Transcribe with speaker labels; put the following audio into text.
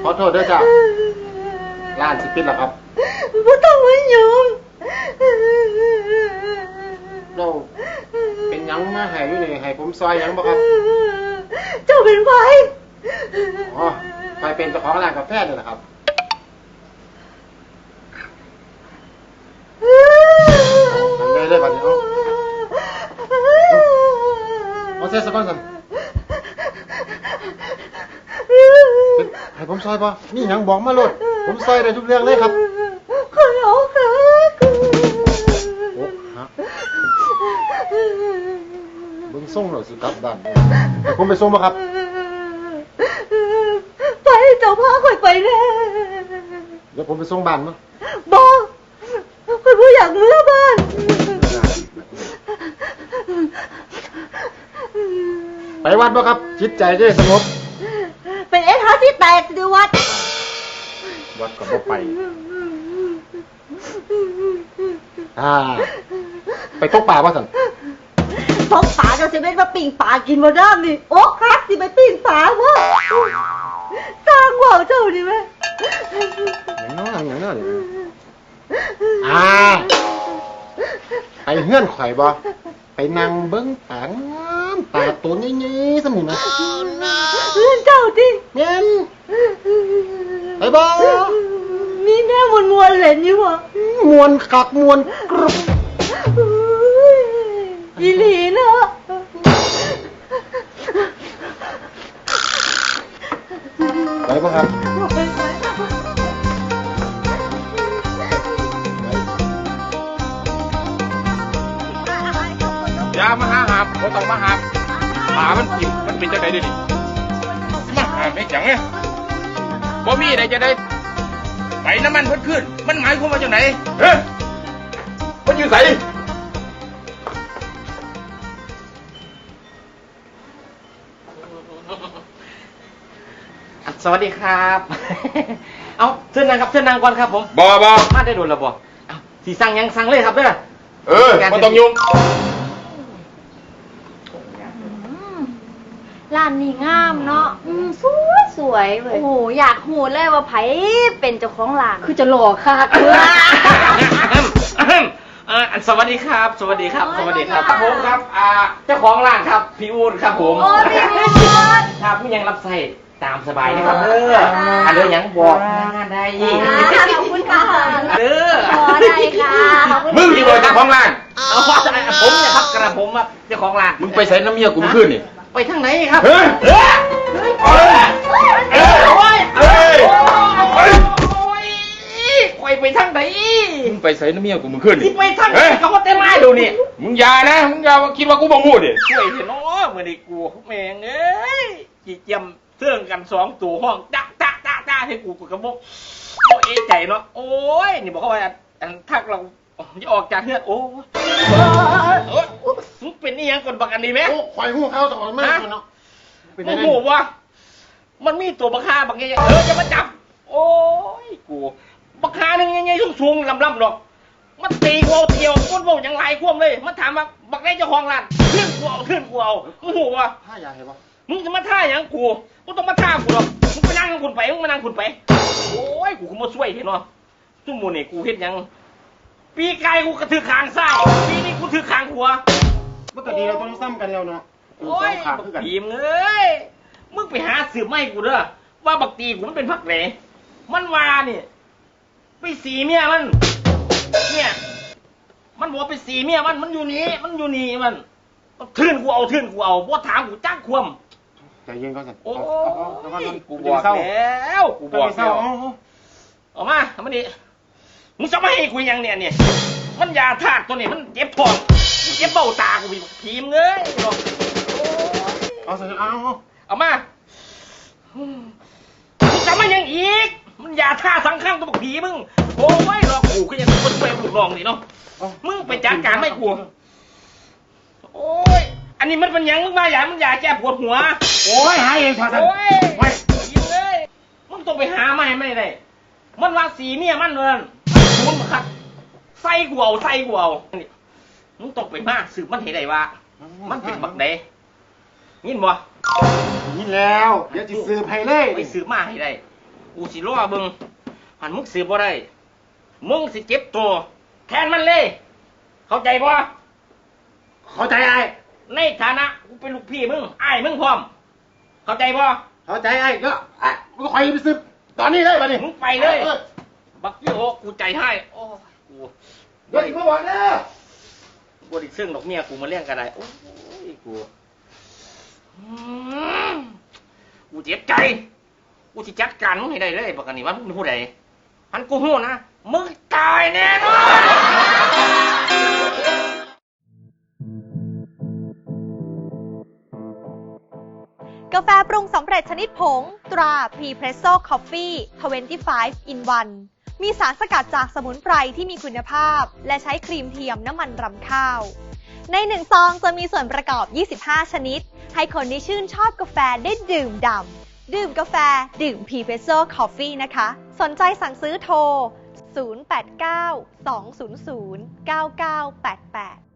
Speaker 1: อโทษด้วยจ้ะร้านสิปิดแล้วครับ
Speaker 2: ไม่ต้องมายุ่ง
Speaker 1: เราเป็นยังมาให้อยู่นี่ให้ผมซอยยังบ่ครับ
Speaker 2: เจ้าเป็นไผ
Speaker 1: อ๋อใครเป็นเจ้าของร้านกาแฟนี่แหละครับได้เลยบัดนี้เอาเสียสักก่อนสิให้ผมซอยป่ะนี่ยังบอกมาโลดผมซอยได้ทุกเรื่องเลยครับ
Speaker 2: ขอร้องค่ะ
Speaker 1: โอ้ฮะเบิ่งส่งเราสิกลับบ้านให้ผมไปส่งป่ะครับ
Speaker 2: ไปเจ้าพาข่อยไปแน่
Speaker 1: เดี๋ยวผมไปส่งบ้านมั้ง
Speaker 2: บอกข่อยบ่อยากเมื่อบ้าน
Speaker 1: ไปวัดป่ะครับจิตใจจะสงบ
Speaker 2: เป็นเอสฮาที่แตกสิวัด
Speaker 1: ก็บ่ไปไปตกป่าป่ะสัน
Speaker 2: ตกป่าจะสิเป็นมาปิ่งป่ากินมาด้ามนี่โอ๊กฮักสิไปปิ่งป่าวะสร้างว่าวเจ้าดิแม่
Speaker 1: อย่างนั้นไปเฮื่อนข่อยบ่ไปนั่งเบิ้งตางามตาตัวใหญ่ๆสมุนนะ
Speaker 2: เฮื่อนเจ้าดิ
Speaker 1: แม่นไปบ่
Speaker 2: มีแน่มวนๆเล่นอยู่บ่
Speaker 1: มวนคักมวนกรุบ
Speaker 2: อีหลีเนาะ
Speaker 1: ไปบ่ครับ
Speaker 3: อย่ามาหาหาบบ่ต้องมาหาบป่ามันกินมันเป็นจังได๋ดิมาหาบได้จังไงบ่มีได้จะได้ไปน้ำมันเพิ่นขึ้นมันหมายความว่าจังได๋เฮ้ยมันอยู่ไส
Speaker 4: สวัสดีครับเอาเชิญนั่งครับเชิญนั่งก่อนครับผม
Speaker 3: บ่
Speaker 4: มาได้โดนแล้วบ่เอาสิสั่งยังสั่งเลยครับเด้อ
Speaker 3: บ่ต้องยุ่ง
Speaker 5: ร้านนี้งามเนาะสวยเลยโอ้โหอยากหูเลยว่าไผเป็นเจ้าของร้าน
Speaker 2: คือจะหล่อค่ะ
Speaker 4: สวัสดีครับสวัสดีครับสวัสดีครับผมครับเจ้าของร้านครับพี่อู๊ดครับผม
Speaker 5: โอ้พี่อู๊ด
Speaker 4: ครับผู้ยังรับใช้ตามสบายนะครับเด้ออันเด้อยังบอกงานได้
Speaker 5: ขอบคุณค่ะ
Speaker 4: เด้อ
Speaker 5: ได้ค่ะ
Speaker 3: มึงที่บอกเจ้าของร้าน
Speaker 4: เอาว่าผมเนี่ยครับกระผมว่าเจ้าของร้าน
Speaker 3: มึงไปใส่น้ำเมียกูเมื่อคืนนี่
Speaker 4: ไปทางไหนครับไปทางไหน
Speaker 3: มึงไปใส่น้ำเมียกูเมื่อคืนนี่
Speaker 4: ไปทางไหนเขาก็เต้นไม้ดูนี่
Speaker 3: มึงอย่านะมึงอย่าคิดว่ากูบ่งูดิ
Speaker 4: ช่วยเถอะเนาะมื้อนี้กูแม่งเอ้ยจีเจียมเสื่องกัน2ตัวห้องจ๊ะให้กูกระบอกเอะใจเนาะโอ้ยนี่บอกเขาว่าทักเราจะออกจากเฮือนโอ้มึงเป็นนี่ยังคนบักอันนี้ไหม
Speaker 1: โอ้ข่อยหูเข้าตลอดมากเนาะ
Speaker 4: มึงหูว่ามันมีตัวบักฮาบักไงจะมาจับโอ้ยกูบักฮาหนึ่งไงสูงลำหรอกมันตีกูเอาเที่ยวก้นโบยังไล่ควมเลยมันถามว่าบักได้เจ้าของร้านขึ้นกูเอามึงหูว่า
Speaker 1: ท่ายาเห็นปะ
Speaker 4: มึงจะมาท่าอย่างกูต้องมาท่ากูหรอกมึงไปนั่งคุณไปมึงมานั่งคุณไปโอ้ยกูมาช่วยเห็นเนาะทุ่มโมนี่กูเห็นยังปีกายกูกระถือขางซ้ายปีนี้กูถือขางขวา
Speaker 1: เมื่อกี้เราต้องซ้ำกันแล้วเนาะ
Speaker 4: โอ้ยบักตีมเอ้ยมึงไปหาสืบไม่กูเด้อว่าบักตีกูมันเป็นพักไหนมันว่าเนี่ยไปสีเมียมันเนี่ยมันบอกไปสีเมียมันอยู่นี่มันทื่นกูเอาบ่ถามกูจ้างควม
Speaker 1: ใจเย็นก่อนสิ
Speaker 4: โอ้ยกูบอกแล้วออกมาทำมันดิมึงจะไม่ให้กูยังเนี่ยมันยาธาตุตัวนี้มันเจ็บท้องเจ็บเบ้าตากูมีผีมเงย
Speaker 1: เอาสิ
Speaker 4: เอามามึงจะไม่ยังอีกมันยาท่าสังข้างตัวผีมึงโอ้ยหลอกกูก็ยังคนเปรย์ลูกน้องนี่เนาะมึงไปจัดการไม่กลัวโอ้ยอันนี้มันเป็นยังมึงมาอย่ามันยาแก้ปวดหัว
Speaker 1: โอ้ยหาเองเถอะ
Speaker 4: โอ้ยยิงเลยมึงต้องไปหาไม่ได้มันว่าสีเมียมันเลยมันขัดไส้กูเอามึงต้องไปมาสืบมันเห็นได้ว่ามันเป็นบักเดยินบ่
Speaker 1: ยินแล้วเดี๋ยวจะสืบให้เลย
Speaker 4: ไปสืบมาให้ได้กูสิรอเบิ่งหันมึงสืบบ่ได้มึงสิเจ็บตัวแทนมันเลย เข้าใจบ่
Speaker 1: เข้าใจไอ้
Speaker 4: ในฐานะกูเป็นลูกพี่มึงอ้ายมึงพร้อม เข้าใจบ่
Speaker 1: เข้าใจไอ้ก็ไอ้มึงคอยไปซื้อตอนนี้เลยมาดิ
Speaker 4: มึงไปเลย บักยี่โอกูใจให้โอ้ยกู
Speaker 1: เดี๋ยวอีกเมื่อวานเนี่ย
Speaker 4: บไดิซึ่งดอกเมียกูมาเลี้ยงกันได้โอ้ยกูอืมกูเจ็บใจกูสิจัดการมึงให้ได้เลยบักอันนี้ว่ามึงเป็นผู้ใดหันกูหู้นะมึงตายแน่นอน
Speaker 6: กาแฟปรุงสำเร็จชนิดผงตรา Prepresso Coffee 25 in 1 มีสารสกัดจากสมุนไพรที่มีคุณภาพและใช้ครีมเทียมน้ำมันรำข้าว ใน1ซองจะมีส่วนประกอบ 25 ชนิด ให้คนที่ชื่นชอบกาแฟได้ดื่มด่ำดื่มกาแฟดื่ม Prepresso Coffee นะคะ สนใจสั่งซื้อโทร 089 200 9988